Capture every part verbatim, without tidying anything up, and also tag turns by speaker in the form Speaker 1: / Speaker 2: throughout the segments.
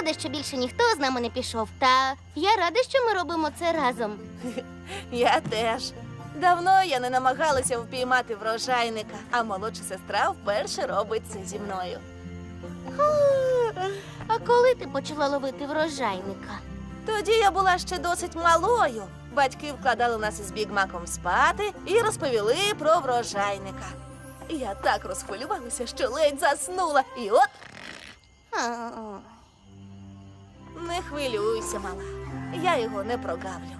Speaker 1: шкода, що більше ніхто з нами не пішов. Та я рада, що ми робимо це разом.
Speaker 2: Я теж. Давно я не намагалася впіймати врожайника, а молодша сестра вперше робить це зі мною.
Speaker 1: А коли ти почала ловити врожайника?
Speaker 2: Тоді я була ще досить малою. Батьки вкладали нас із Бігмаком спати і розповіли про врожайника. Я так розхвилювалася, що ледь заснула. І от
Speaker 1: А,
Speaker 2: не хвилюйся, мала. Я його не прогавлю.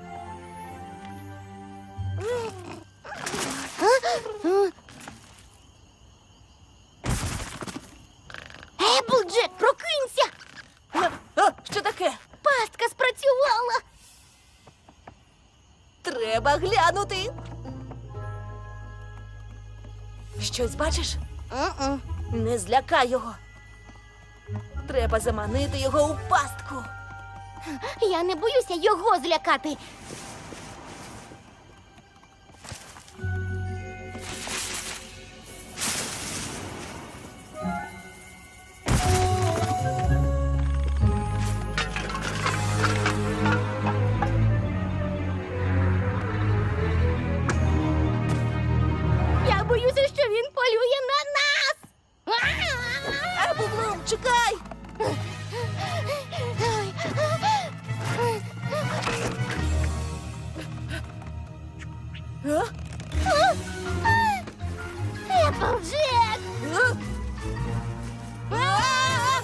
Speaker 1: Еплджек, прокинься!
Speaker 2: А, а, що таке?
Speaker 1: Пастка спрацювала!
Speaker 2: Треба глянути. Щось бачиш?
Speaker 1: М-м.
Speaker 2: Не злякай його. Треба заманити його у пастку.
Speaker 1: Я не боюся його злякати. Я боюся, що він полює на нас.
Speaker 2: Еплблум, чекай! А?
Speaker 1: Еплджек!
Speaker 2: А? А!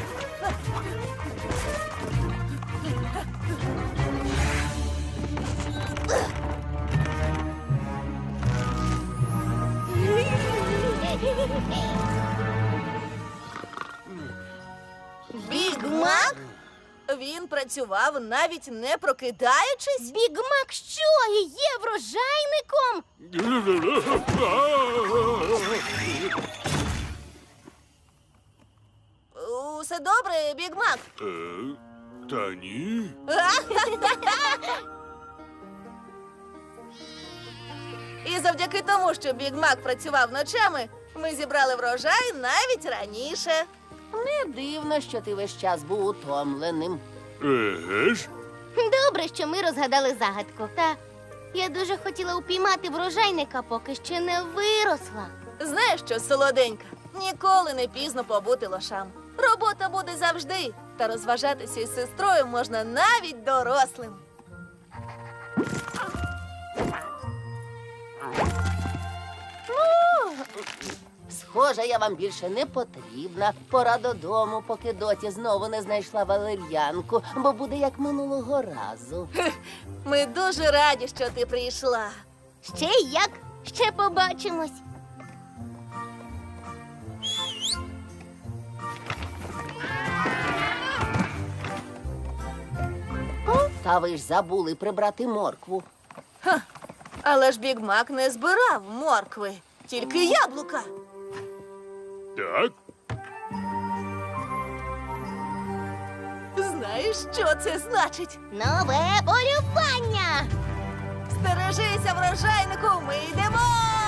Speaker 2: Бігмак? Він працював, навіть не прокидаючись?
Speaker 1: Бігмак що, і є врожайником?
Speaker 2: Усе добре, Бігмак?
Speaker 3: Е, Та ні.
Speaker 2: І завдяки тому, що Бігмак працював ночами, ми зібрали врожай навіть раніше.
Speaker 4: Не дивно, що ти весь час був утомленим.
Speaker 3: Еге ж?
Speaker 1: Добре, що ми розгадали загадку. Та я дуже хотіла упіймати врожайника, поки ще не виросла.
Speaker 2: Знаєш що, солоденька, ніколи не пізно побути лошам. Робота буде завжди, та розважатися із сестрою можна навіть дорослим.
Speaker 4: Схоже, я вам більше не потрібна. Пора додому, поки доті знову не знайшла валер'янку, бо буде як минулого разу.
Speaker 2: Ми дуже раді, що ти прийшла.
Speaker 1: Ще як? Ще побачимось.
Speaker 4: Та ви ж забули прибрати моркву.
Speaker 2: Але ж Бігмак не збирав моркви, тільки яблука.
Speaker 3: Так?
Speaker 2: Знаєш, що це значить?
Speaker 1: Нове полювання!
Speaker 2: Стережися, врожайнику, ми йдемо!